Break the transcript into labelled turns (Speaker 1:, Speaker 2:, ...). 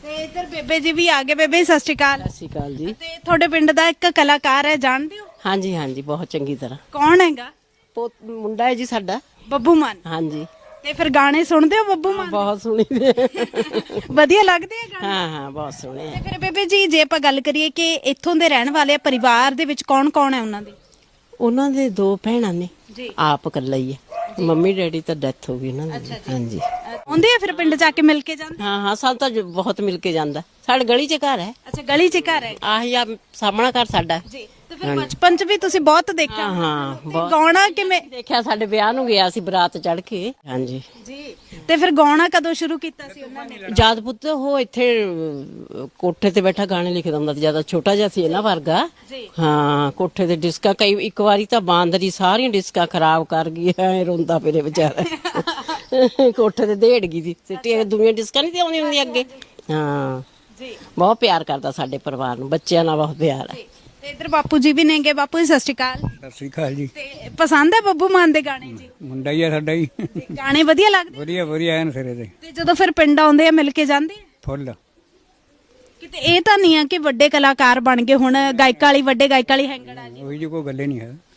Speaker 1: ਤੇ ਇੱਧਰ ਬੇਬੇ ਜੀ ਵੀ ਆ ਗਏ। ਬੇਬੇ ਸਤਿ ਸ਼੍ਰੀ ਅਕਾਲ।
Speaker 2: ਸਤਿ ਸ਼੍ਰੀ ਅਕਾਲ ਜੀ।
Speaker 1: ਤੇ ਤੁਹਾਡੇ ਪਿੰਡ ਦਾ ਇੱਕ ਕਲਾਕਾਰ ਹੈ, ਜਾਣਦੇ ਹੋ?
Speaker 2: ਹਾਂਜੀ ਹਾਂਜੀ, ਬਹੁਤ ਚੰਗੀ ਤਰ੍ਹਾਂ।
Speaker 1: ਕੌਣ ਹੈਗਾ?
Speaker 2: ਮੁੰਡਾ ਹੈ ਜੀ ਸਾਡਾ।
Speaker 1: ਬੱਬੂ ਮਾਨ।
Speaker 2: ਹਾਂਜੀ।
Speaker 1: ਤੇ ਫਿਰ ਗਾਣੇ ਸੁਣਦੇ ਹੋ ਬੱਬੂ ਮਾਨ ਦੇ?
Speaker 2: ਬਹੁਤ ਸੁਣੀ ਦੇ।
Speaker 1: ਵਧੀਆ ਲੱਗਦੇ ਆ ਗਾਣੇ?
Speaker 2: ਹਾਂ ਹਾਂ, ਬਹੁਤ ਸੋਹਣੇ ਆ।
Speaker 1: ਤੇ ਫਿਰ ਬੇਬੇ ਜੀ ਜੇ ਆਪਾਂ ਗੱਲ ਕਰੀਏ ਕਿ ਇੱਥੋਂ ਦੇ ਰਹਿਣ ਵਾਲੇ ਆ, ਪਰਿਵਾਰ ਦੇ ਵਿੱਚ ਕੌਣ ਕੌਣ ਹੈ ਉਹਨਾਂ ਦੇ?
Speaker 2: ਉਹਨਾਂ ਦੇ 2 ਭੈਣਾਂ ਨੇ,
Speaker 1: ਜੀ।
Speaker 2: ਆਪ ਇਕੱਲਾ ਹੀ ਹੈ। ਮੰਮੀ ਡੈਡੀ ਤਾਂ ਡੈਥ ਹੋ ਗਈ ਉਹਨਾਂ ਦੀ। ਹਾਂਜੀ।
Speaker 1: ਆਉਂਦੇ ਆ ਫਿਰ ਪਿੰਡ ਜਾ ਕੇ ਮਿਲ ਕੇ ਜਾਂਦੇ?
Speaker 2: ਹਾਂ ਹਾਂ, ਸਾਨੂੰ ਤਾਂ ਬਹੁਤ ਮਿਲ ਕੇ ਜਾਂਦਾ। ਸਾਡੇ ਗਲੀ 'ਚ ਘਰ ਹੈ।
Speaker 1: ਅੱਛਾ, ਗਲੀ 'ਚ ਘਰ ਹੈ।
Speaker 2: ਆਹੀ ਆ ਸਾਹਮਣਾ ਘਰ ਸਾਡਾ।
Speaker 1: ਜੀ। ਤੇ ਫਿਰ ਬਚਪਨ 'ਚ ਵੀ ਤੁਸੀਂ ਬਹੁਤ ਦੇਖਿਆ?
Speaker 2: ਹਾਂ ਹਾਂ, ਬਹੁਤ
Speaker 1: ਗਾਉਣਾ ਕਿਵੇਂ
Speaker 2: ਦੇਖਿਆ। ਸਾਡੇ ਵਿਆਹ ਨੂੰ ਗਿਆ ਸੀ ਬਰਾਤ ਚੜ ਕੇ। ਹਾਂਜੀ।
Speaker 1: ਜੀ। ਤੇ ਫਿਰ ਗਾਉਣਾ ਕਦੋਂ ਸ਼ੁਰੂ ਕੀਤਾ ਸੀ ਉਹਨਾਂ ਨੇ?
Speaker 2: ਜਦ ਪੁੱਤ ਉਹ ਇੱਥੇ ਕੋਠੇ ਤੇ ਬੈਠਾ ਗਾਣੇ ਲਿਖਦਾ ਹੁੰਦਾ ਸੀ। ਜਿਆਦਾ ਛੋਟਾ ਜਿਹਾ ਸੀ ਇਹਨਾਂ ਵਰਗਾ।
Speaker 1: ਜੀ।
Speaker 2: ਹਾਂ, ਕੋਠੇ ਤੇ ਡਿਸਕਾਂ ਕਈ ਇੱਕ ਵਾਰੀ ਤਾਂ ਬਾਂਦਰੀ ਸਾਰੀਆਂ ਡਿਸਕਾਂ ਖਰਾਬ ਕਰ ਗਈ। ਐ ਰੋਂਦਾ ਫਿਰੇ ਵਿਚਾਰਾ। ਕੋਠੇ ਤੇ ਦੇੜ ਗਈ ਸੀ। ਸਿੱਟੀਆਂ ਦੁਨੀਆ ਡਿਸਕਾਂ ਨਹੀਂ ਤੇ ਆਉਂਦੀ ਹੁੰਦੀ ਅੱਗੇ। ਹਾਂ
Speaker 1: ਜੀ।
Speaker 2: ਬਹੁਤ ਪਿਆਰ ਕਰਦਾ ਸਾਡੇ ਪਰਿਵਾਰ ਨੂੰ, ਬੱਚਿਆਂ ਨਾਲ ਬਹੁਤ ਪਿਆਰ ਹੈ।
Speaker 1: ਤੇ ਇੱਧਰ ਬਾਪੂ ਜੀ ਵੀ ਨੇਗੇ। ਬਾਪੂ ਜੀ ਸਤਿ ਸ਼੍ਰੀ ਅਕਾਲ।
Speaker 3: ਸਤਿ ਸ੍ਰੀ ਅਕਾਲ ਜੀ।
Speaker 1: ਤੇ ਪਸੰਦ ਹੈ ਬੱਬੂ ਮਾਨ ਦੇ ਗਾਣੇ ਜੀ?
Speaker 3: ਮੁੰਡਾ ਹੀ ਆ ਸਾਡਾ ਹੀ।
Speaker 1: ਤੇ ਗਾਣੇ ਵਧੀਆ ਲੱਗਦੇ?
Speaker 3: ਵਧੀਆ ਵਧੀਆ ਐਨ ਸਿਰੇ ਤੇ
Speaker 1: ਤੇ ਜਦੋਂ ਫਿਰ ਪਿੰਡ ਆਉਂਦੇ ਆ ਮਿਲ ਕੇ ਜਾਂਦੇ ਆ?
Speaker 3: ਫੁੱਲ।
Speaker 1: ਕਿਤੇ ਇਹ ਤਾਂ ਨਹੀਂ ਆ ਕਿ ਵੱਡੇ ਕਲਾਕਾਰ ਬਣ ਗਏ ਹੁਣ, ਗਾਇਕਾਂ ਵਾਲੀ ਵੱਡੇ ਗਾਇਕਾਂ ਵਾਲੀ ਹੈਂਗੜ ਆ ਜੀ?
Speaker 3: ਉਹੀ ਜੀ ਕੋਈ ਗੱਲੇ ਨਹੀਂ ਹੈ।